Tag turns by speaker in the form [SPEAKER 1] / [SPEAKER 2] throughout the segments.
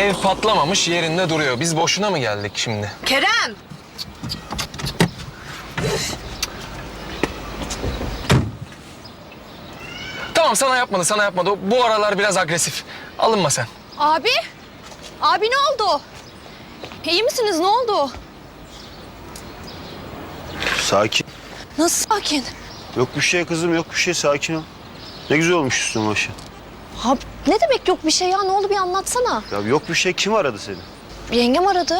[SPEAKER 1] Ev patlamamış, yerinde duruyor. Biz boşuna mı geldik şimdi?
[SPEAKER 2] Kerem!
[SPEAKER 1] Tamam, sana yapmadı, sana yapmadı. Bu aralar biraz agresif. Alınma sen.
[SPEAKER 2] Abi! Abi ne oldu? İyi misiniz? Ne oldu?
[SPEAKER 3] Sakin.
[SPEAKER 2] Nasıl sakin?
[SPEAKER 3] Yok bir şey kızım, yok bir şey. Sakin ol. Ne güzel olmuş üstüne başı.
[SPEAKER 2] Abi ne demek yok bir şey ya? Ne oldu bir anlatsana.
[SPEAKER 3] Ya yok bir şey. Kim aradı seni?
[SPEAKER 2] Yengem aradı.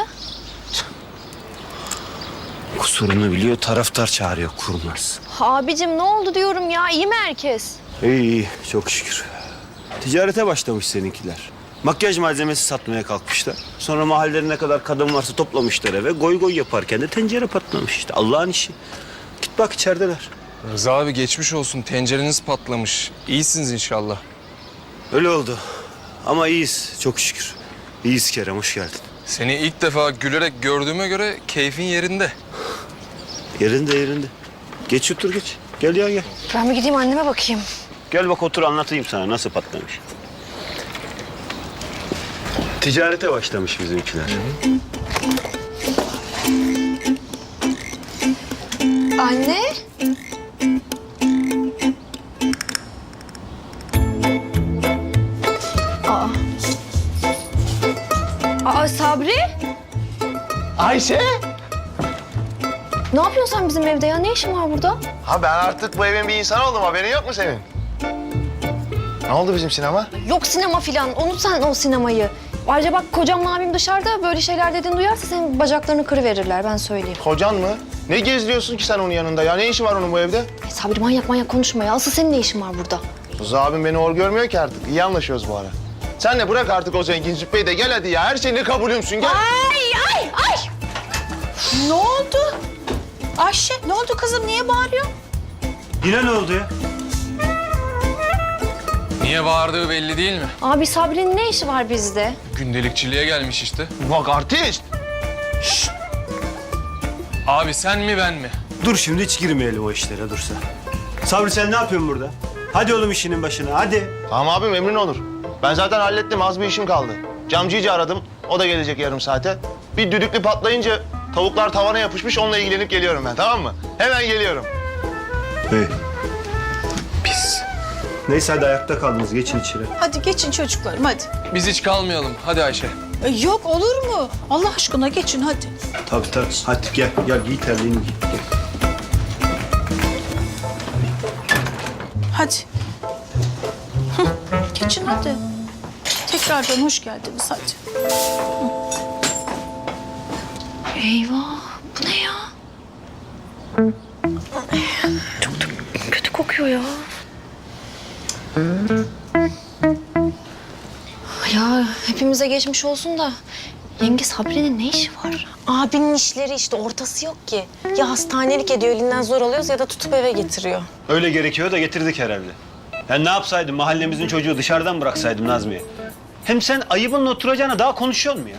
[SPEAKER 3] Kusurunu biliyor, taraftar çağırıyor, kurnaz.
[SPEAKER 2] Abicim ne oldu diyorum ya? İyi mi herkes?
[SPEAKER 3] İyi iyi, çok şükür. Ticarete başlamış seninkiler. Makyaj malzemesi satmaya kalkmışlar. Sonra mahallede ne kadar kadın varsa toplamışlar eve. Goy goy yaparken de tencere patlamış işte. Allah'ın işi. Git bak içerideler.
[SPEAKER 1] Rıza abi geçmiş olsun. Tencereniz patlamış. İyisiniz inşallah.
[SPEAKER 3] Öyle oldu. Ama iyiyiz, çok şükür. İyiyiz Kerem, hoş geldin.
[SPEAKER 1] Seni ilk defa gülerek gördüğüme göre keyfin yerinde.
[SPEAKER 3] Yerinde yerinde. Geç otur geç. Gel ya gel.
[SPEAKER 2] Ben bir gideyim anneme bakayım.
[SPEAKER 3] Gel bak otur anlatayım sana nasıl patlamış. Ticarete başlamış bizimkiler.
[SPEAKER 2] Anne? Aa. Aa Sabri?
[SPEAKER 4] Ayşe!
[SPEAKER 2] Ne yapıyorsun sen bizim evde ya? Ne işin var burada?
[SPEAKER 4] Ha ben artık bu evin bir insanı oldum. Haberin yok mu senin? Ne oldu bizim sinema?
[SPEAKER 2] Yok sinema filan. Unut sen o sinemayı. Ayrıca bak kocamla abim dışarıda böyle şeyler dediğini duyarsa senin bacaklarını kırıverirler ben söyleyeyim.
[SPEAKER 4] Kocan mı? Ne gezdiriyorsun ki sen onun yanında ya? Ne işi var onun bu evde?
[SPEAKER 2] Sabri manyak konuşma ya. Asıl senin ne işin var burada?
[SPEAKER 4] Rıza abim beni hor görmüyor ki artık. İyi anlaşıyoruz bu ara. Sen de bırak artık o zengin züppeyi de gel hadi ya. Her şeyini kabulümsün gel.
[SPEAKER 2] Ay!
[SPEAKER 5] Ne oldu? Ayşe ne oldu kızım niye bağırıyorsun?
[SPEAKER 3] Yine ne oldu ya?
[SPEAKER 1] Niye bağırdığı belli değil mi?
[SPEAKER 2] Abi Sabri'nin ne işi var bizde?
[SPEAKER 1] Gündelikçiliğe gelmiş işte.
[SPEAKER 4] Bak artist.
[SPEAKER 1] Abi sen mi ben mi?
[SPEAKER 3] Dur şimdi hiç girmeyelim o işlere dursa. Sabri sen ne yapıyorsun burada? Hadi oğlum işinin başına hadi.
[SPEAKER 4] Tamam abim emrin olur. Ben zaten hallettim. Az bir işim kaldı. Camcıyı aradım. O da gelecek yarım saate. Bir düdüklü patlayınca tavuklar tavana yapışmış. Onunla ilgilenip geliyorum ben, tamam mı? Hemen geliyorum.
[SPEAKER 3] Hey.
[SPEAKER 1] Pis.
[SPEAKER 3] Neyse hadi ayakta kaldınız geçin içeri.
[SPEAKER 5] Hadi geçin çocuklarım hadi.
[SPEAKER 1] Biz hiç kalmayalım. Hadi Ayşe.
[SPEAKER 5] Yok olur mu? Allah aşkına geçin hadi.
[SPEAKER 3] Tabii tabii. Hadi gel giy terliğini giy. Gel.
[SPEAKER 5] Hadi. Hı, geçin hadi. Tekrardan hoş geldiniz hadi.
[SPEAKER 2] Eyvah bu ne ya? Çok da kötü kokuyor ya. Ya hepimize geçmiş olsun da yenge Sabri'nin ne işi var?
[SPEAKER 6] Abinin işleri işte ortası yok ki. Ya hastanelik ediyor elinden zor alıyoruz ya da tutup eve getiriyor.
[SPEAKER 3] Öyle gerekiyor da getirdik herhalde. Yani ne yapsaydım mahallemizin çocuğu dışarıdan bıraksaydım Nazmiye. Hem sen ayıbınla oturacağına daha konuşuyor mu ya?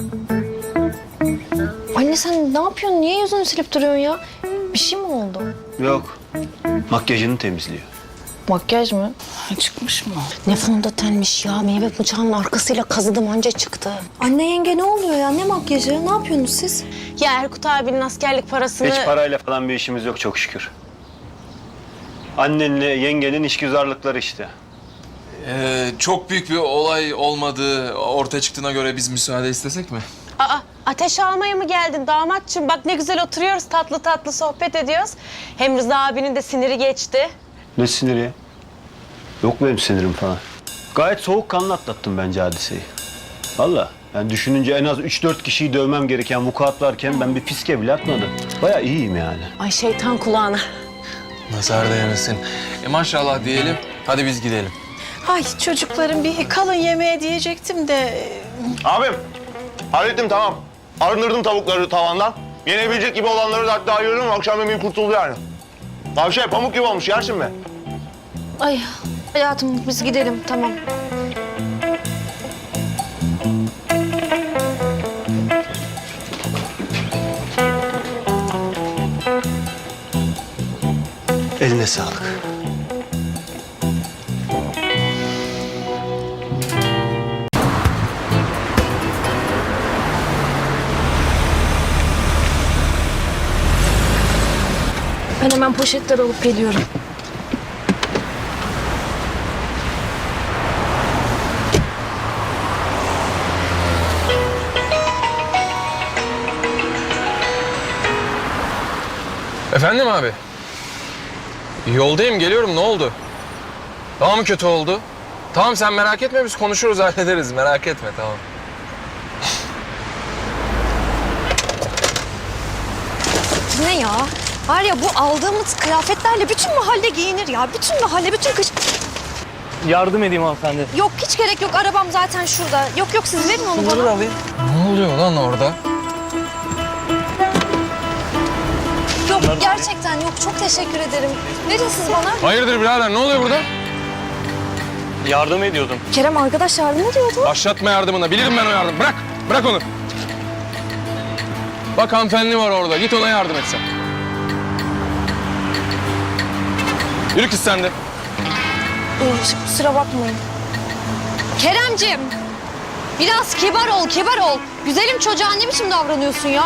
[SPEAKER 2] Anne sen ne yapıyorsun? Niye yüzünü silip duruyorsun ya? Bir şey mi oldu?
[SPEAKER 3] Yok. Makyajını temizliyor.
[SPEAKER 2] Makyaj mı?
[SPEAKER 5] Çıkmış mı?
[SPEAKER 6] Ne fondötenmiş ya meyve bıçağının arkasıyla kazıdım anca çıktı.
[SPEAKER 2] Anne yenge ne oluyor ya? Ne makyajı? Ne yapıyorsunuz siz?
[SPEAKER 6] Ya Erkut abinin askerlik parasını...
[SPEAKER 3] Hiç parayla falan bir işimiz yok çok şükür. Annenle yengenin işgüzarlıkları işte.
[SPEAKER 1] Çok büyük bir olay olmadığı ortaya çıktığına göre biz müsaade istesek mi?
[SPEAKER 6] Aa, ateş almaya mı geldin damatçım? Bak ne güzel oturuyoruz tatlı tatlı sohbet ediyoruz. Hem Rıza abinin de siniri geçti.
[SPEAKER 3] Ne siniri ya? Yok benim sinirim falan. Gayet soğukkanlı atlattım bence hadiseyi. Vallahi yani düşününce en az 3-4 kişiyi dövmem gereken vukuat varken ben bir fiske bile atmadım. Bayağı iyiyim yani.
[SPEAKER 6] Ay şeytan kulağına.
[SPEAKER 1] Nazar değmesin. Maşallah diyelim. Hadi biz gidelim.
[SPEAKER 5] Ay çocuklarım bir kalın yemeğe diyecektim de...
[SPEAKER 4] Abim, hallettim tamam. Arındırdım tavukları tavandan. Yenebilecek gibi olanları da hatta ayırdım. Akşam yemeği kurtuldu yani. Tavşan pamuk gibi olmuş, yersin mi?
[SPEAKER 2] Ay hayatım biz gidelim tamam.
[SPEAKER 3] Eline sağlık.
[SPEAKER 2] Ben hemen poşetleri alıp geliyorum.
[SPEAKER 1] Efendim abi? Yoldayım, geliyorum. Ne oldu? Daha mı kötü oldu? Tamam, sen merak etme, biz konuşuruz, hallederiz. Merak etme, tamam.
[SPEAKER 2] Ne ya? Var ya bu aldığımız kıyafetlerle bütün mahalle giyinir ya. Bütün mahalle, bütün kış...
[SPEAKER 7] Yardım edeyim hanımefendi.
[SPEAKER 2] Yok hiç gerek yok. Arabam zaten şurada. Yok siz verin onu
[SPEAKER 7] Bunları da
[SPEAKER 2] bana.
[SPEAKER 7] alayım.
[SPEAKER 1] Ne oluyor lan orada?
[SPEAKER 2] Yok gerçekten yok. Çok teşekkür ederim. Verin siz bana.
[SPEAKER 1] Hayırdır birader, ne oluyor burada?
[SPEAKER 7] Yardım ediyordum.
[SPEAKER 2] Kerem arkadaş yardım ediyordu.
[SPEAKER 1] Başlatma yardımına, bilirim ben o yardım. Bırak onu. Bak hanımefendi var orada, git ona yardım et sen. Yürü kız sen de.
[SPEAKER 2] Kusura bakmayın. Keremcim. Biraz kibar ol. Güzelim çocuğa ne biçim davranıyorsun ya?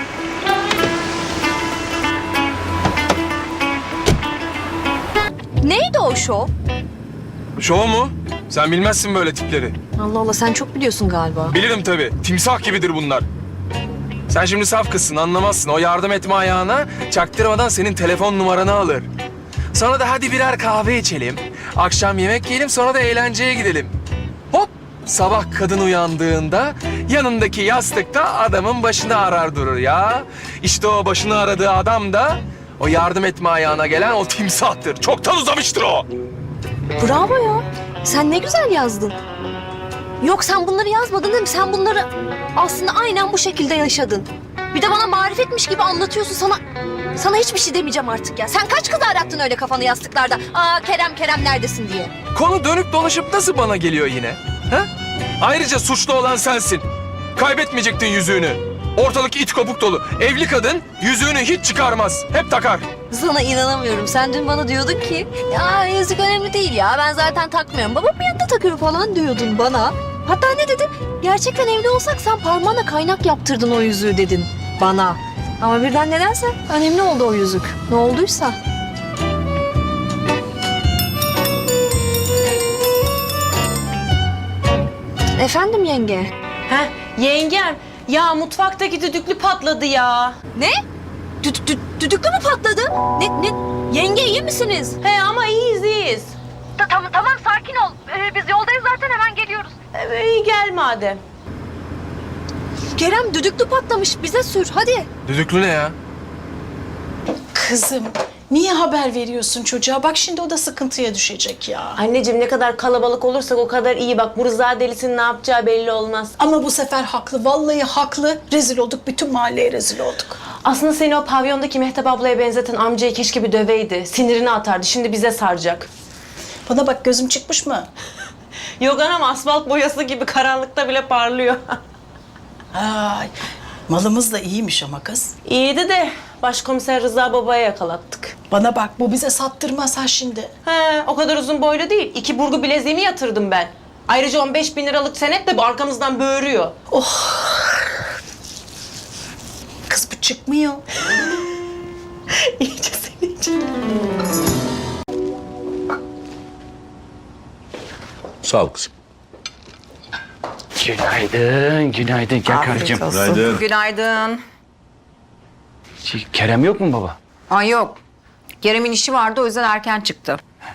[SPEAKER 2] Neydi o şov?
[SPEAKER 1] Şov mu? Sen bilmezsin böyle tipleri.
[SPEAKER 2] Allah Allah sen çok biliyorsun galiba.
[SPEAKER 1] Bilirim tabii. Timsah gibidir bunlar. Sen şimdi saf kızsın, anlamazsın. O yardım etme ayağına çaktırmadan senin telefon numaranı alır. Sonra da hadi birer kahve içelim. Akşam yemek yiyelim, sonra da eğlenceye gidelim. Hop! Sabah kadın uyandığında yanındaki yastıkta adamın başını arar durur ya. İşte o başını aradığı adam da o yardım etme ayağına gelen o timsahtır. Çoktan uzamıştır o.
[SPEAKER 2] Bravo ya. Sen ne güzel yazdın. Yok sen bunları yazmadın değil mi? Sen bunları aslında aynen bu şekilde yaşadın. Bir de bana marifetmiş gibi anlatıyorsun. Sana hiçbir şey demeyeceğim artık ya. Sen kaç kız arattın öyle kafanı yastıklarda? Aa Kerem neredesin diye.
[SPEAKER 1] Konu dönüp dolaşıp nasıl bana geliyor yine? Ha? Ayrıca suçlu olan sensin. Kaybetmeyecektin yüzüğünü. Ortalık it kopuk dolu. Evli kadın yüzüğünü hiç çıkarmaz. Hep takar.
[SPEAKER 2] Sana inanamıyorum. Sen dün bana diyordun ki ya yüzük önemli değil ya. Ben zaten takmıyorum. Babam yanında takıyor falan diyordun bana. Hatta ne dedin? Gerçekten evli olsak sen parmağına kaynak yaptırdın o yüzüğü dedin bana. Ama birden nedense önemli oldu o yüzük. Ne olduysa. Efendim yenge?
[SPEAKER 6] Heh, yengem. Ya mutfaktaki düdüklü patladı ya.
[SPEAKER 2] Ne? Düdüklü mü patladı? Ne? Yenge iyi misiniz?
[SPEAKER 6] He ama iyiyiz.
[SPEAKER 2] Tamam sakin ol. Biz yoldayız zaten hemen geliyoruz.
[SPEAKER 6] İyi gel madem.
[SPEAKER 2] Kerem düdüklü patlamış bize sür hadi.
[SPEAKER 1] Düdüklü ne ya?
[SPEAKER 5] Kızım niye haber veriyorsun çocuğa? Bak şimdi o da sıkıntıya düşecek ya.
[SPEAKER 6] Anneciğim ne kadar kalabalık olursak o kadar iyi. Bak bu Rıza delisinin ne yapacağı belli olmaz.
[SPEAKER 5] Ama bu sefer haklı. Vallahi haklı. Rezil olduk. Bütün mahalleye rezil olduk.
[SPEAKER 6] Aslında seni o pavyondaki Mehtap ablaya benzeten amcayı keşke bir döveydi. Sinirini atardı. Şimdi bize saracak.
[SPEAKER 5] Bana bak gözüm çıkmış mı?
[SPEAKER 6] Yok anam asfalt boyası gibi karanlıkta bile parlıyor.
[SPEAKER 5] Ay, malımız da iyiymiş ama kız.
[SPEAKER 6] İyiydi de başkomiser Rıza babaya yakalattık.
[SPEAKER 5] Bana bak bu bize sattırmaz ha şimdi.
[SPEAKER 6] He, o kadar uzun boylu değil. 2 burgu bileziğimi yatırdım ben. Ayrıca 15.000 liralık senet de bu arkamızdan böğürüyor.
[SPEAKER 5] Kız bu çıkmıyor.
[SPEAKER 6] İyice seni için.
[SPEAKER 8] Sağ ol kızım.
[SPEAKER 7] Günaydın. Gel karıcığım.
[SPEAKER 8] Günaydın.
[SPEAKER 9] Günaydın.
[SPEAKER 7] Kerem yok mu baba?
[SPEAKER 9] Ay yok. Kerem'in işi vardı o yüzden erken çıktı.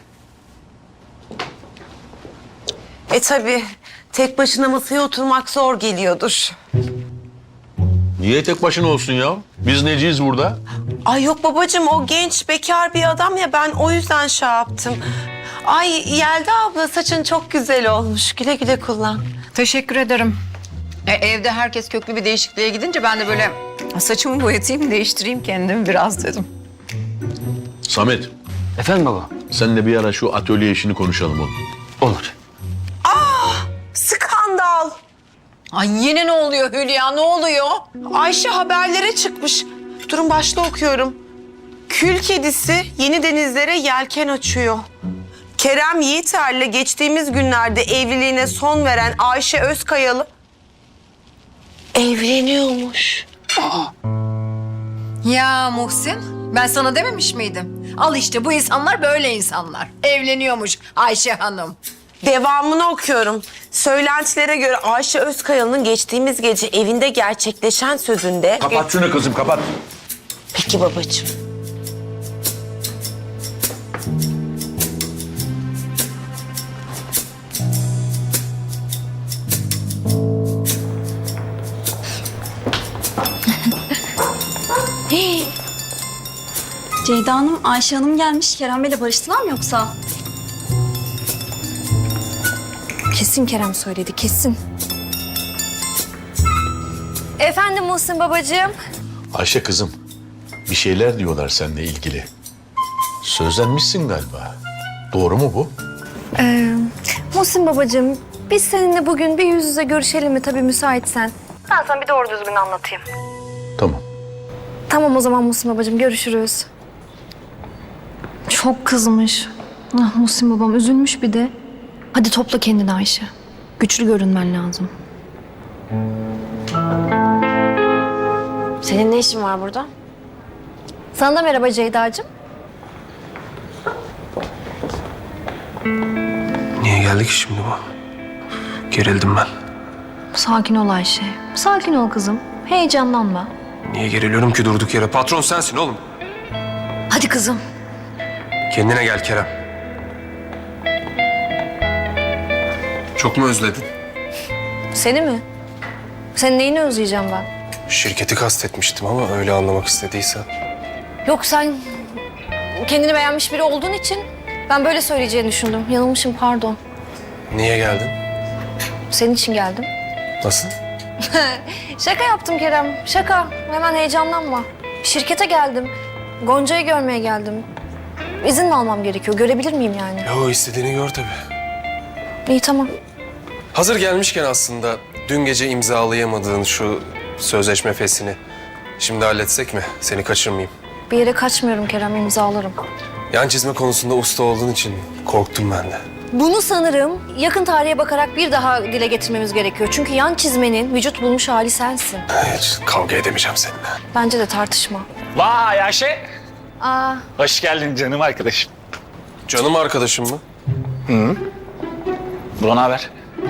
[SPEAKER 10] Tabii tek başına masaya oturmak zor geliyordur.
[SPEAKER 8] Niye tek başına olsun ya? Biz neciyiz burada?
[SPEAKER 10] Ay yok babacığım o genç bekar bir adam ya ben o yüzden şey yaptım. Ay Yelda abla saçın çok güzel olmuş. Güle güle kullan.
[SPEAKER 9] Teşekkür ederim. Evde herkes köklü bir değişikliğe gidince ben de böyle saçımı boyatayım, değiştireyim kendimi biraz dedim.
[SPEAKER 8] Samet,
[SPEAKER 7] Efendim baba?
[SPEAKER 8] seninle bir ara şu atölye işini konuşalım oğlum.
[SPEAKER 7] Olur.
[SPEAKER 10] Skandal.
[SPEAKER 9] Ay yine ne oluyor Hülya, ne oluyor?
[SPEAKER 10] Ayşe haberlere çıkmış. Durun başta okuyorum. Kül kedisi yeni denizlere yelken açıyor. Kerem Yiğiter'le geçtiğimiz günlerde evliliğine son veren Ayşe Özkayalı evleniyormuş.
[SPEAKER 9] Ya Muhsin, Ben sana dememiş miydim? Al işte bu insanlar böyle insanlar. Evleniyormuş Ayşe Hanım.
[SPEAKER 10] Devamını okuyorum. Söylentilere göre Ayşe Özkayalı'nın geçtiğimiz gece evinde gerçekleşen sözünde...
[SPEAKER 8] Kapat şunu kızım, kapat.
[SPEAKER 10] Peki babacığım.
[SPEAKER 2] Ceyda Hanım, Ayşe Hanım gelmiş. Kerem Bey'le barıştılar mı yoksa? Kesin Kerem söyledi, kesin. Efendim Muhsin babacığım.
[SPEAKER 8] Ayşe kızım, bir şeyler diyorlar seninle ilgili. Sözlenmişsin galiba. Doğru mu bu?
[SPEAKER 2] Muhsin babacığım, biz seninle bugün bir yüz yüze görüşelim mi tabii müsaitsen? Ben sana bir doğru düzgün anlatayım.
[SPEAKER 8] Tamam.
[SPEAKER 2] Tamam o zaman Muhsin babacığım, görüşürüz. Çok kızmış. Ah Muhsin babam üzülmüş bir de. Hadi topla kendini Ayşe. Güçlü görünmen lazım.
[SPEAKER 6] Senin ne işin var burada?
[SPEAKER 2] Sana da merhaba Ceyda'cığım.
[SPEAKER 1] Niye geldik şimdi bu? Gerildim ben.
[SPEAKER 2] Sakin ol Ayşe. Sakin ol kızım. Heyecanlanma.
[SPEAKER 1] Niye geriliyorum ki durduk yere? Patron sensin oğlum.
[SPEAKER 2] Hadi kızım.
[SPEAKER 1] Kendine gel Kerem. Çok mu özledin?
[SPEAKER 2] Seni mi? Senin neyini özleyeceğim ben?
[SPEAKER 1] Şirketi kastetmiştim ama öyle anlamak istediysen.
[SPEAKER 2] Yok sen kendini beğenmiş biri olduğun için ben böyle söyleyeceğini düşündüm. Yanılmışım pardon.
[SPEAKER 1] Niye geldin?
[SPEAKER 2] Senin için geldim.
[SPEAKER 1] Nasıl?
[SPEAKER 2] Şaka yaptım Kerem. Şaka. Hemen heyecanlanma. Şirkete geldim. Gonca'yı görmeye geldim. İzin mi almam gerekiyor? Görebilir miyim yani?
[SPEAKER 1] Yo istediğini gör tabii.
[SPEAKER 2] İyi tamam.
[SPEAKER 1] Hazır gelmişken aslında dün gece imzalayamadığın şu sözleşme fesini şimdi halletsek mi? Seni kaçırmayayım.
[SPEAKER 2] Bir yere kaçmıyorum Kerem, imzalarım.
[SPEAKER 1] Yan çizme konusunda usta olduğun için korktum ben de.
[SPEAKER 2] Bunu sanırım yakın tarihe bakarak bir daha dile getirmemiz gerekiyor. Çünkü yan çizmenin vücut bulmuş hali sensin.
[SPEAKER 1] Hiç kavga edemeyeceğim seninle.
[SPEAKER 2] Bence de tartışma.
[SPEAKER 11] Vay Ayşe.
[SPEAKER 2] Aa,
[SPEAKER 11] Hoş geldin canım arkadaşım.
[SPEAKER 1] Canım arkadaşım mı?
[SPEAKER 11] Bro ne haber?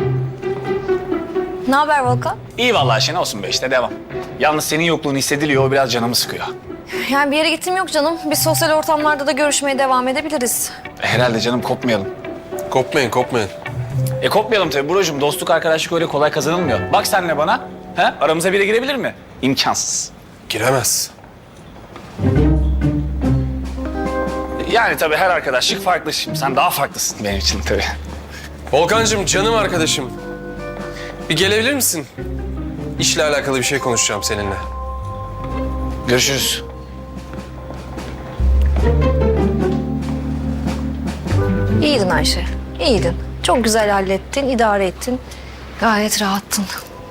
[SPEAKER 2] ne haber Volkan?
[SPEAKER 11] İyi vallahi Ayşe ne olsun be işte devam. Yalnız senin yokluğun hissediliyor o biraz canımı sıkıyor.
[SPEAKER 2] Yani bir yere gittim yok canım. Biz sosyal ortamlarda da görüşmeye devam edebiliriz.
[SPEAKER 11] Herhalde canım kopmayalım.
[SPEAKER 1] Kopmayın kopmayın.
[SPEAKER 11] Kopmayalım tabii brocum. Dostluk arkadaşlık öyle kolay kazanılmıyor. Bak senle bana. He? Aramıza biri girebilir mi? İmkansız.
[SPEAKER 1] Giremez.
[SPEAKER 11] Yani tabii her arkadaşlık farklı. Şimdi sen daha farklısın benim için tabii.
[SPEAKER 1] Volkancığım canım arkadaşım. Bir gelebilir misin? İşle alakalı bir şey konuşacağım seninle.
[SPEAKER 11] Görüşürüz.
[SPEAKER 2] İyiydin Ayşe, iyiydin. Çok güzel hallettin, idare ettin. Gayet rahattın.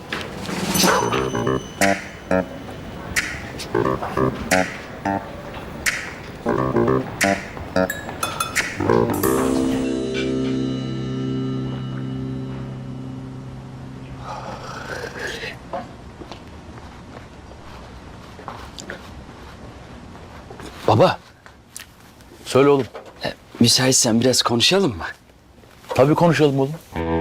[SPEAKER 7] Baba,
[SPEAKER 8] Söyle oğlum.
[SPEAKER 7] müsaitsen biraz konuşalım mı?
[SPEAKER 8] Tabii konuşalım oğlum.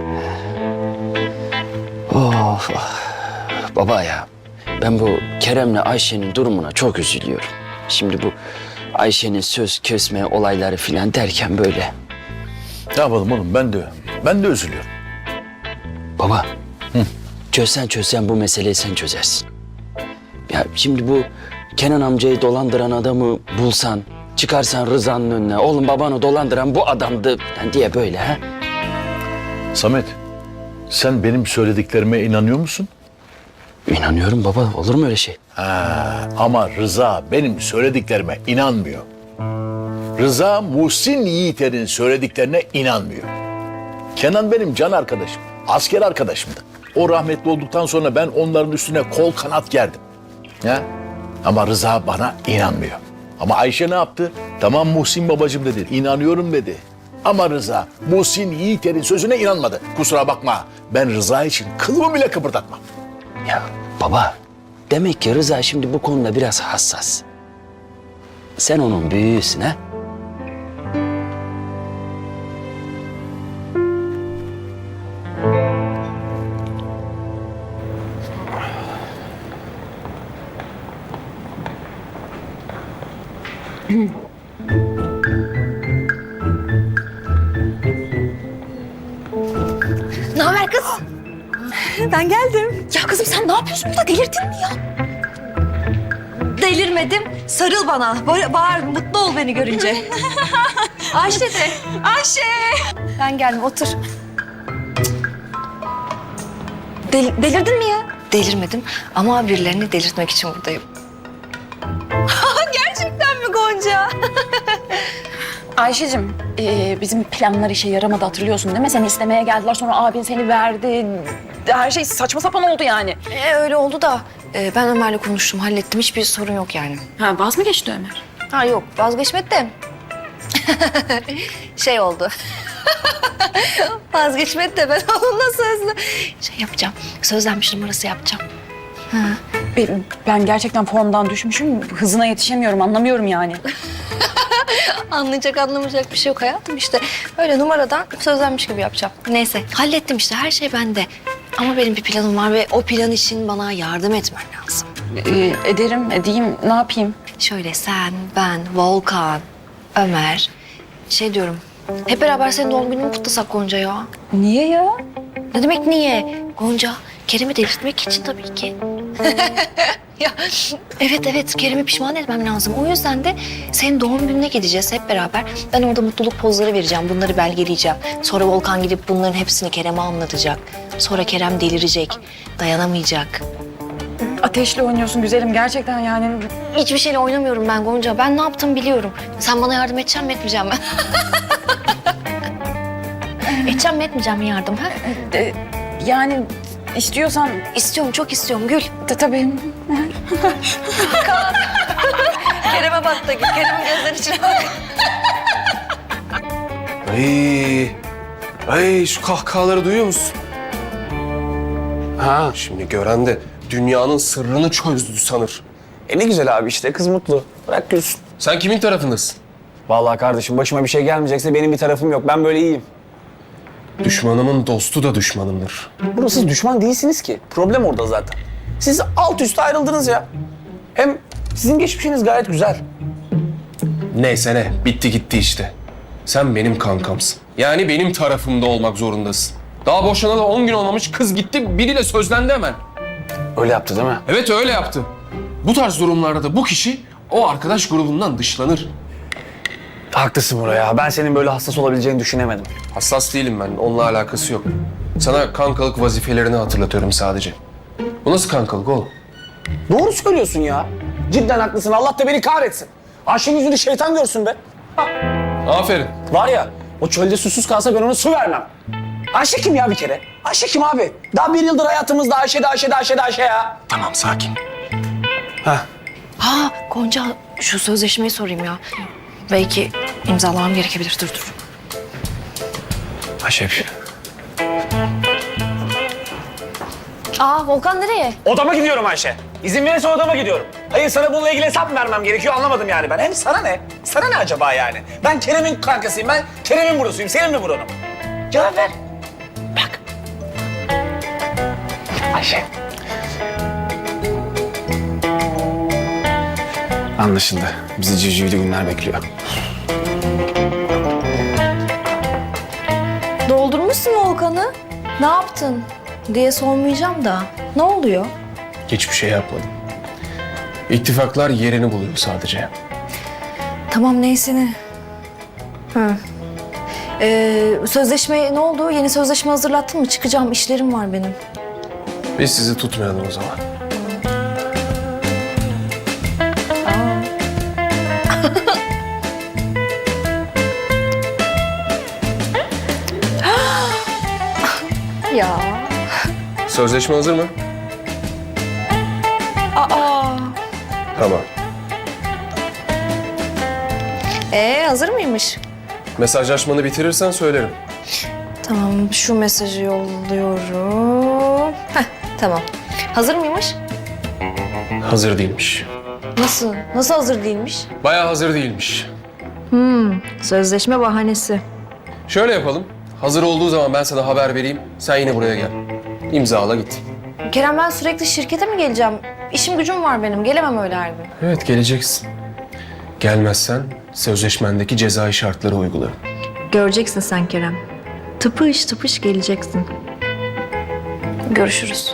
[SPEAKER 7] Of, baba ya, ben bu Kerem'le Ayşe'nin durumuna çok üzülüyorum. Şimdi bu Ayşe'nin söz kesme olayları falan derken böyle.
[SPEAKER 8] Ne yapalım oğlum ben de üzülüyorum.
[SPEAKER 7] Baba, çözsen bu meseleyi sen çözersin. Ya şimdi bu Kenan amcayı dolandıran adamı bulsan, çıkarsan Rıza'nın önüne, oğlum babanı dolandıran bu adamdı falan diye böyle ha?
[SPEAKER 8] Samet, sen benim söylediklerime inanıyor musun?
[SPEAKER 7] İnanıyorum baba, olur mu öyle şey?
[SPEAKER 8] Ama Rıza benim söylediklerime inanmıyor. Rıza Muhsin Yiğiter'in söylediklerine inanmıyor. Kenan benim can arkadaşım, asker arkadaşımdı. O rahmetli olduktan sonra ben onların üstüne kol kanat gerdim. Ya? Ama Rıza bana inanmıyor. Ama Ayşe ne yaptı? Tamam Muhsin babacığım dedi, inanıyorum dedi. Ama Rıza Muhsin Yiğiter'in sözüne inanmadı. Kusura bakma, ben Rıza için kılımı bile kıpırdatmam.
[SPEAKER 7] Ya baba, demek ki Rıza şimdi bu konuda biraz hassas. sen onun büyüğüsün ha.
[SPEAKER 2] Ne haber kız? Ben geldim. Ya kızım sen ne yapıyorsun burada? Delirdin mi ya? Delirmedim. Sarıl bana. Bağır, mutlu ol beni görünce. Ayşe de. Ayşe. Ben geldim, otur. Delirdin mi ya? Delirmedim ama birilerini delirtmek için buradayım. Gerçekten mi Gonca?
[SPEAKER 6] Ayşe'cim bizim planlar işe yaramadı hatırlıyorsun değil mi? Seni istemeye geldiler sonra abin seni verdi. Her şey saçma sapan oldu yani.
[SPEAKER 2] Öyle oldu da ben Ömer'le konuştum, hallettim. Hiçbir sorun yok yani.
[SPEAKER 6] Ha vaz mı geçti Ömer?
[SPEAKER 2] Ha yok, vazgeçmedi de. Şey oldu. Vazgeçmedi de ben onunla sözlü şey yapacağım. Sözlenmiş numarası yapacağım.
[SPEAKER 6] Ben gerçekten formdan düşmüşüm. Hızına yetişemiyorum anlamıyorum yani.
[SPEAKER 2] Anlayacak anlamayacak bir şey yok hayatım işte. Öyle numaradan sözlenmiş gibi yapacağım. Neyse hallettim işte, her şey bende. Ama benim bir planım var ve o plan için bana yardım etmen lazım.
[SPEAKER 6] Edeyim ne yapayım?
[SPEAKER 2] Şöyle sen, ben, Volkan, Ömer. Şey diyorum, hep beraber senin doğum gününü kutlasak Gonca ya.
[SPEAKER 6] Niye ya?
[SPEAKER 2] Ne demek niye? Gonca, Kerem'i delirtmek için tabii ki. Ya, evet, Kerem'i pişman etmem lazım. O yüzden de senin doğum gününe gideceğiz hep beraber. Ben orada mutluluk pozları vereceğim, bunları belgeleyeceğim. Sonra Volkan gidip bunların hepsini Kerem'e anlatacak. Sonra Kerem delirecek, dayanamayacak.
[SPEAKER 6] Ateşle oynuyorsun güzelim gerçekten yani.
[SPEAKER 2] Hiçbir şeyle oynamıyorum ben Gonca. Ben ne yaptığımı biliyorum. Sen bana yardım edeceksin mi, etmeyeceğim mi? Edeceğim mi, etmeyeceğim mi yardım? Ha?
[SPEAKER 6] Yani istiyorsan...
[SPEAKER 2] İstiyorum, çok istiyorum Gül.
[SPEAKER 6] Tabii.
[SPEAKER 2] Kerem'e bak da Gül. Kerem'in gözlerinin içine bak.
[SPEAKER 1] Ay şu kahkahaları duyuyor musun? Ha şimdi gören de dünyanın sırrını çözdü sanır.
[SPEAKER 11] Ne güzel abi işte kız mutlu. Bırak gülsün.
[SPEAKER 1] Sen kimin tarafındasın?
[SPEAKER 11] Vallahi kardeşim başıma bir şey gelmeyecekse benim bir tarafım yok. Ben böyle iyiyim.
[SPEAKER 1] Düşmanımın dostu da düşmanımdır.
[SPEAKER 11] Burada siz düşman değilsiniz ki. Problem orada zaten. Siz alt üst ayrıldınız ya. Hem sizin geçmişiniz gayet güzel.
[SPEAKER 1] Neyse ne, bitti gitti işte. Sen benim kankamsın. Yani benim tarafımda olmak zorundasın. Daha boşanalı 10 gün olmamış, kız gitti biriyle sözlendi hemen.
[SPEAKER 11] Öyle yaptı değil mi?
[SPEAKER 1] Evet öyle yaptı. Bu tarz durumlarda da bu kişi o arkadaş grubundan dışlanır.
[SPEAKER 11] Haklısın buraya. Ben senin böyle hassas olabileceğini düşünemedim.
[SPEAKER 1] Hassas değilim ben, onunla alakası yok. Sana kankalık vazifelerini hatırlatıyorum sadece. Bu nasıl kankalık oğlum?
[SPEAKER 11] Doğru söylüyorsun ya. Cidden haklısın. Allah da beni kahretsin. Ayşe'nin yüzünü şeytan görsün be.
[SPEAKER 1] Aferin.
[SPEAKER 11] Var ya, o çölde susuz kalsa ben ona su vermem. Ayşe kim ya bir kere? Ayşe kim abi? Daha 1 yıldır hayatımızda Ayşe ya.
[SPEAKER 1] Tamam, sakin.
[SPEAKER 2] Ha Gonca, şu sözleşmeyi sorayım ya. Belki imzalamam gerekebilir. Dur.
[SPEAKER 1] Ayşe.
[SPEAKER 2] Aa Volkan nereye?
[SPEAKER 11] Odama gidiyorum Ayşe. İzin verirse odama gidiyorum. Hayır sana bununla ilgili hesap mı vermem gerekiyor anlamadım yani ben. Hem sana ne? Sana ne acaba yani? Ben Kerem'in kankasıyım. Ben Kerem'in burasıyım. Senin mi buranım? Cevap ver. Bak. Ayşe. Anlaşıldı. Bizi civcivli günler bekliyor.
[SPEAKER 2] Doldurmuşsun Volkan'ı. Ne yaptın diye sormayacağım da. Ne oluyor?
[SPEAKER 1] Hiçbir şey yapmadım. İttifaklar yerini buluyor sadece.
[SPEAKER 2] Tamam neyse ne. Sözleşme ne oldu? Yeni sözleşme hazırlattın mı? Çıkacağım, işlerim var benim.
[SPEAKER 1] Biz sizi tutmayalım o zaman.
[SPEAKER 2] Ya.
[SPEAKER 1] Sözleşme hazır mı? Tamam.
[SPEAKER 2] Hazır mıymış?
[SPEAKER 1] Mesajlaşmanı bitirirsen söylerim.
[SPEAKER 2] Tamam, şu mesajı yolluyorum. Tamam. Hazır mıymış?
[SPEAKER 1] Hazır değilmiş.
[SPEAKER 2] Nasıl? Nasıl hazır değilmiş?
[SPEAKER 1] Bayağı hazır değilmiş.
[SPEAKER 2] Sözleşme bahanesi.
[SPEAKER 1] Şöyle yapalım. Hazır olduğu zaman ben sana haber vereyim. Sen yine buraya gel. İmzala git.
[SPEAKER 2] Kerem ben sürekli şirkete mi geleceğim? İşim gücüm var benim. Gelemem öyle her gün.
[SPEAKER 1] Evet, geleceksin. Gelmezsen sözleşmendeki cezai şartları uygularım.
[SPEAKER 2] Göreceksin sen Kerem. Tıpış tıpış geleceksin. Görüşürüz.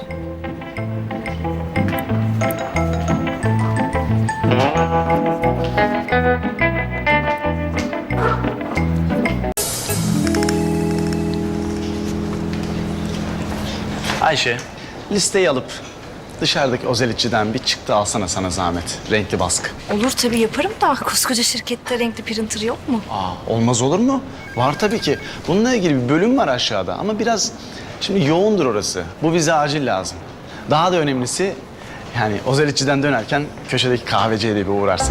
[SPEAKER 12] Ayşe, listeyi alıp dışarıdaki ozelitçiden bir çıktı alsana sana zahmet. Renkli baskı.
[SPEAKER 2] Olur tabii yaparım da koskoca şirkette renkli printer yok mu?
[SPEAKER 12] Olmaz olur mu? Var tabii ki. Bununla ilgili bir bölüm var aşağıda ama biraz şimdi yoğundur orası. Bu bize acil lazım. Daha da önemlisi yani ozelitçiden dönerken köşedeki kahveciye de bir uğrarsın.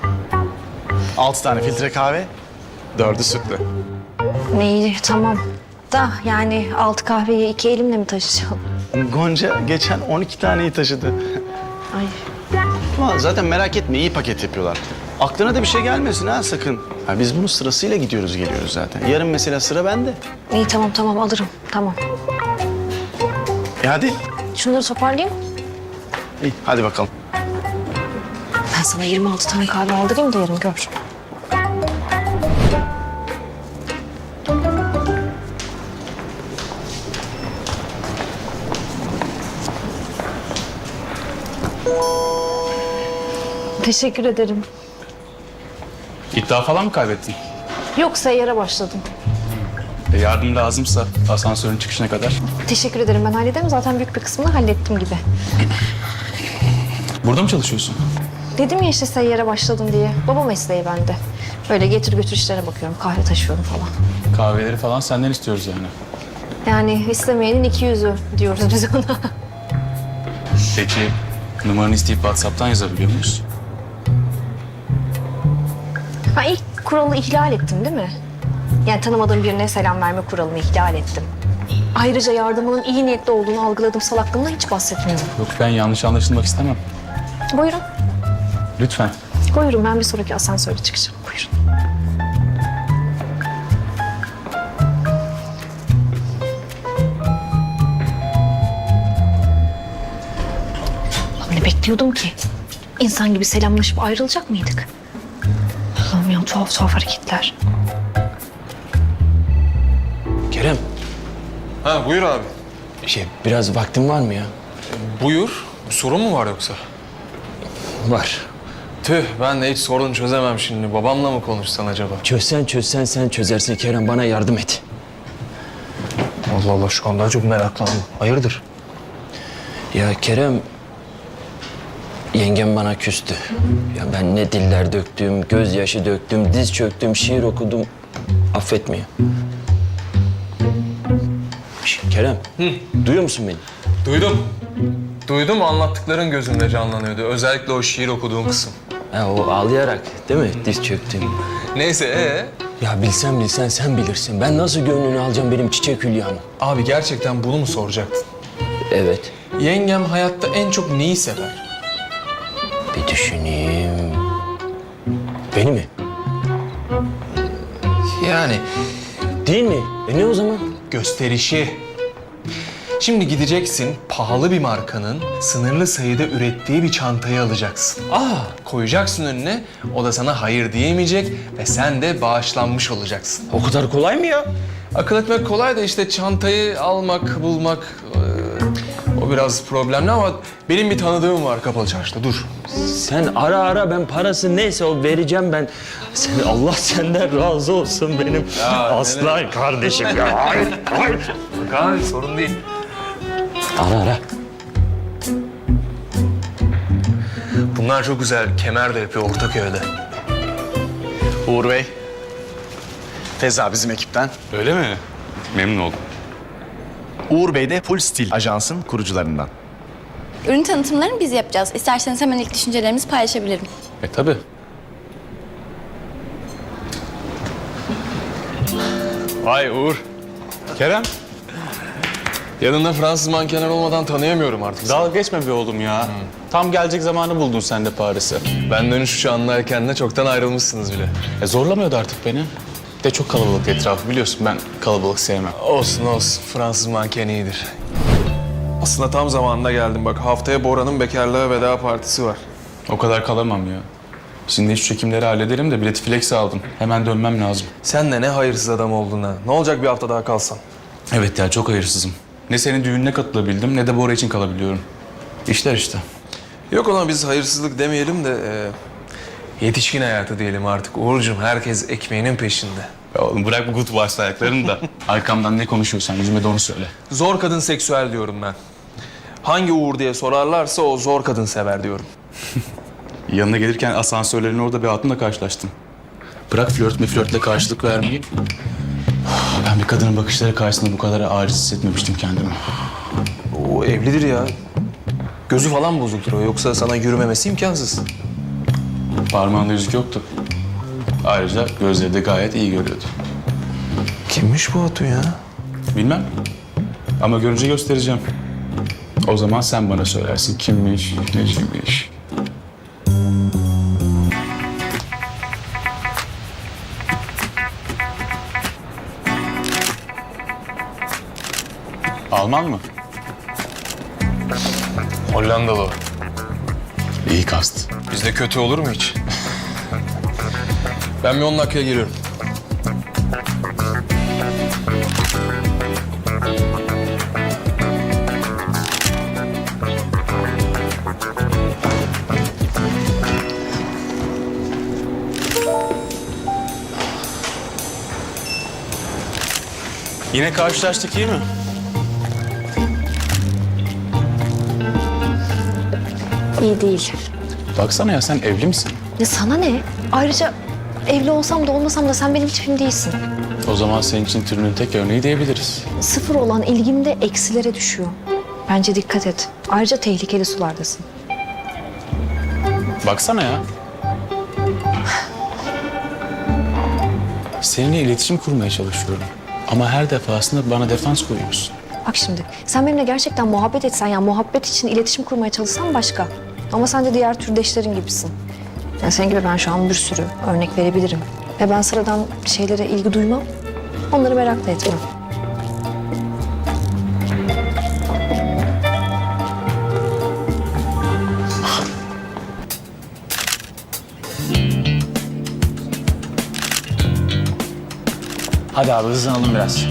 [SPEAKER 12] 6 tane filtre kahve, 4'ü sütlü.
[SPEAKER 2] İyi tamam. Da yani 6 kahveyi 2 elimle mi taşıyacağım?
[SPEAKER 12] Gonca geçen 12 taneyi taşıdı.
[SPEAKER 2] Ay.
[SPEAKER 12] Ama zaten merak etme iyi paket yapıyorlar. Aklına da bir şey gelmesin ha sakın. Ha, biz bunu sırasıyla gidiyoruz geliyoruz zaten. Yarın mesela sıra bende.
[SPEAKER 2] İyi tamam alırım. Tamam.
[SPEAKER 12] Hadi.
[SPEAKER 2] Şunları toparlayayım.
[SPEAKER 12] İyi hadi bakalım.
[SPEAKER 2] Ben sana 26 tane kahve aldırayım da yarın gör. Teşekkür ederim.
[SPEAKER 13] İddia falan mı kaybettin?
[SPEAKER 2] Yok seyyara başladım.
[SPEAKER 13] Yardım lazımsa asansörün çıkışına kadar.
[SPEAKER 2] Teşekkür ederim ben hallederim. Zaten büyük bir kısmını hallettim gibi.
[SPEAKER 13] Burada mı çalışıyorsun?
[SPEAKER 2] Dedim ya işte seyyara başladım diye. Baba mesleği bende. Böyle getir götür işlere bakıyorum. Kahve taşıyorum falan.
[SPEAKER 13] Kahveleri falan senden istiyoruz yani.
[SPEAKER 2] Yani istemeyenin 200'ü diyoruz biz ona.
[SPEAKER 13] Peki numaranı isteyip WhatsApp'tan yazabiliyor muyuz?
[SPEAKER 2] Ben ilk kuralı ihlal ettim değil mi? Yani tanımadığım birine selam verme kuralını ihlal ettim. Ayrıca yardımının iyi niyetli olduğunu algıladığım salaklığımdan hiç bahsetmiyorum.
[SPEAKER 13] Yok ben yanlış anlaşılmak istemem.
[SPEAKER 2] Buyurun.
[SPEAKER 13] Lütfen.
[SPEAKER 2] Buyurun ben bir sonraki asansörde çıkacağım. Buyurun. Lan ne bekliyordum ki? İnsan gibi selamlaşıp ayrılacak mıydık? Allah'ım ya tuhaf hareketler.
[SPEAKER 7] Kerem,
[SPEAKER 1] Ha buyur abi.
[SPEAKER 7] biraz vaktin var mı ya?
[SPEAKER 1] Buyur. Sorun mu var yoksa?
[SPEAKER 7] Var.
[SPEAKER 1] Tüh, ben de hiç sorun çözemem şimdi. Babamla mı konuşsan acaba?
[SPEAKER 7] Çözsen sen çözersin Kerem, bana yardım et.
[SPEAKER 1] Allah Allah, şu an daha çok meraklandım. Hayırdır?
[SPEAKER 7] Ya Kerem, yengem bana küstü. Ya ben ne diller döktüm, gözyaşı döktüm, diz çöktüm, şiir okudum. Affetmiyor. Kerem, duyuyor musun beni?
[SPEAKER 1] Duydum, anlattıkların gözümde canlanıyordu. Özellikle o şiir okuduğun kısım.
[SPEAKER 7] Ha, o ağlayarak değil mi diz çöktüm?
[SPEAKER 1] Neyse,
[SPEAKER 7] Ya bilsen sen bilirsin. Ben nasıl gönlünü alacağım benim çiçek hülyamı?
[SPEAKER 1] Abi gerçekten bunu mu soracaktın?
[SPEAKER 7] Evet.
[SPEAKER 1] Yengem hayatta en çok neyi sever?
[SPEAKER 7] Bir düşüneyim. Beni mi?
[SPEAKER 1] Yani
[SPEAKER 7] Değil mi? Ne o zaman?
[SPEAKER 1] gösterişi. Şimdi gideceksin, pahalı bir markanın sınırlı sayıda ürettiği bir çantayı alacaksın. Koyacaksın önüne, o da sana hayır diyemeyecek ve sen de bağışlanmış olacaksın.
[SPEAKER 7] O kadar kolay mı ya?
[SPEAKER 1] Akıl etmek kolay da işte çantayı almak, bulmak o biraz problemli ama benim bir tanıdığım var Kapalı Çarşı'da. Dur.
[SPEAKER 7] Sen ara ben parası neyse o vereceğim ben. Allah senden razı olsun benim aslan kardeşim ya.
[SPEAKER 1] Abi sorun değil.
[SPEAKER 7] Ara.
[SPEAKER 1] Bunlar çok güzel. Kemer de yapıyor Ortaköy'de.
[SPEAKER 12] Uğur Bey. Feza bizim ekipten.
[SPEAKER 13] Öyle mi? Memnun oldum.
[SPEAKER 12] Uğur Bey de Full Stil Ajans'ın kurucularından.
[SPEAKER 14] Ürün tanıtımlarını biz yapacağız. İsterseniz hemen ilk düşüncelerimizi paylaşabilirim.
[SPEAKER 13] Tabii.
[SPEAKER 12] Vay Uğur.
[SPEAKER 13] Kerem.
[SPEAKER 1] Yanında Fransız mankenler olmadan tanıyamıyorum artık.
[SPEAKER 13] Dalga geçme be oğlum ya. Tam gelecek zamanı buldun sen de Paris'e.
[SPEAKER 1] Ben dönüş uçağındayken de çoktan ayrılmışsınız bile.
[SPEAKER 13] Zorlamıyordu artık beni. De çok kalabalık etrafı biliyorsun, ben kalabalık sevmem.
[SPEAKER 1] Olsun olsun. Fransız manken iyidir. Aslında tam zamanında geldim. Bak haftaya Bora'nın bekarlığa veda partisi var.
[SPEAKER 13] O kadar kalamam ya. Şimdi şu çekimleri hallederim de bileti flex aldım. Hemen dönmem lazım.
[SPEAKER 1] Sen de ne hayırsız adam oldun ha. Ne olacak bir hafta daha kalsan?
[SPEAKER 13] Evet ya, çok hayırsızım. Ne senin düğününe katılabildim ne de Bora için kalabiliyorum. İşler işte.
[SPEAKER 1] Yok ona biz hayırsızlık demeyelim de yetişkin hayatı diyelim artık. Uğurcuğum herkes ekmeğinin peşinde.
[SPEAKER 13] Ya oğlum bırak bu gut başlı ayaklarını da. Arkamdan ne konuşuyorsan yüzüme de onu söyle.
[SPEAKER 1] Zor kadın seksüel diyorum ben. Hangi Uğur diye sorarlarsa o zor kadın sever diyorum.
[SPEAKER 13] Yanına gelirken asansörlerin orada bir hatunla karşılaştım. Bırak flörtle karşılık vermeyi. Ben bir kadının bakışları karşısında bu kadar aciz hissetmemiştim kendimi.
[SPEAKER 1] O evlidir ya. Gözü falan bozuktur o. Yoksa sana yürümemesi imkansız.
[SPEAKER 13] Parmağında yüzük yoktu. Ayrıca gözleri de gayet iyi görüyordu.
[SPEAKER 1] Kimmiş bu Hatun ya?
[SPEAKER 13] Bilmem. Ama görünce göstereceğim. O zaman sen bana söylersin kimmiş, neciymiş. Alman mı?
[SPEAKER 1] Hollandalı o.
[SPEAKER 13] İyi kast.
[SPEAKER 1] Bizde kötü olur mu hiç? Ben bir 10 dakikaya geliyorum.
[SPEAKER 13] Yine karşılaştık, iyi mi?
[SPEAKER 2] İyi değil.
[SPEAKER 13] Baksana ya, sen evli misin?
[SPEAKER 2] Ya sana ne? Ayrıca evli olsam da olmasam da sen benim tipim değilsin.
[SPEAKER 13] O zaman senin için türünün tek örneği diyebiliriz.
[SPEAKER 2] Sıfır olan ilgim de eksilere düşüyor. Bence dikkat et. Ayrıca tehlikeli sulardasın.
[SPEAKER 13] Baksana ya. Seninle iletişim kurmaya çalışıyorum. Ama her defasında bana defans koyuyorsun.
[SPEAKER 2] Bak şimdi sen benimle gerçekten muhabbet etsen yani muhabbet için iletişim kurmaya çalışsan başka. Ama sen de diğer türdeşlerin gibisin. Yani senin gibi ben şu an bir sürü örnek verebilirim. Ve ben sıradan şeylere ilgi duymam. Onları merak da etmem.
[SPEAKER 11] Hadi abi hızlanalım biraz.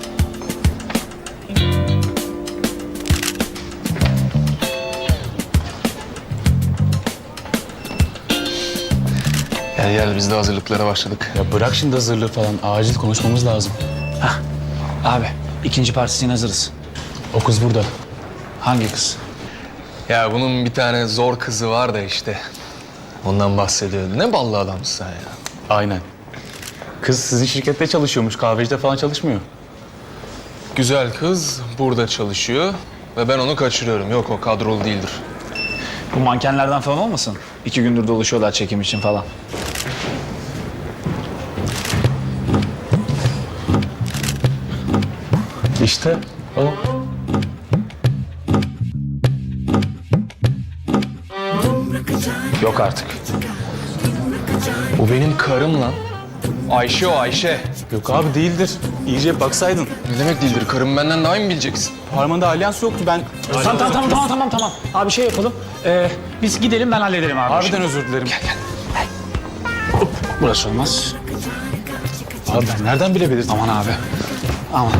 [SPEAKER 1] Gel biz de hazırlıklara başladık.
[SPEAKER 13] Ya bırak şimdi hazırlığı falan. Acil konuşmamız lazım.
[SPEAKER 11] Abi ikinci partisine hazırız.
[SPEAKER 13] O kız burada.
[SPEAKER 11] Hangi kız?
[SPEAKER 1] Ya bunun bir tane zor kızı var da işte. Ondan bahsediyordu. Ne ballı adamsın sen ya.
[SPEAKER 13] Aynen. Kız sizin şirkette çalışıyormuş. Kahvecide falan çalışmıyor.
[SPEAKER 1] Güzel kız burada çalışıyor ve ben onu kaçırıyorum. Yok o kadrolu değildir.
[SPEAKER 11] Bu mankenlerden falan olmasın? 2 gündür dolaşıyorlar çekim için falan.
[SPEAKER 13] İşte o.
[SPEAKER 11] Yok artık.
[SPEAKER 1] Bu benim karım lan. Ayşe o Ayşe.
[SPEAKER 13] Yok abi değildir. İyice baksaydın.
[SPEAKER 1] Ne demek değildir? Karım benden daha iyi mi bileceksin?
[SPEAKER 13] Parmağında alyans yoktu ben.
[SPEAKER 11] Tamam. Abi şey yapalım. Biz gidelim ben hallederim abi.
[SPEAKER 13] Harbiden özür dilerim.
[SPEAKER 11] Burası olmaz.
[SPEAKER 13] Abi ben nereden bilebilirdim?
[SPEAKER 11] Aman abi. Aman.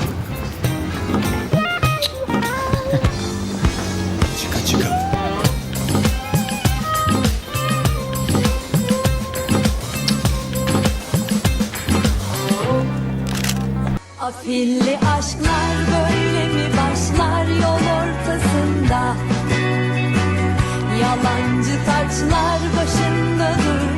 [SPEAKER 15] Afilli aşklar böyle mi başlar yol ortasında? Yalancı taçlar başında durur.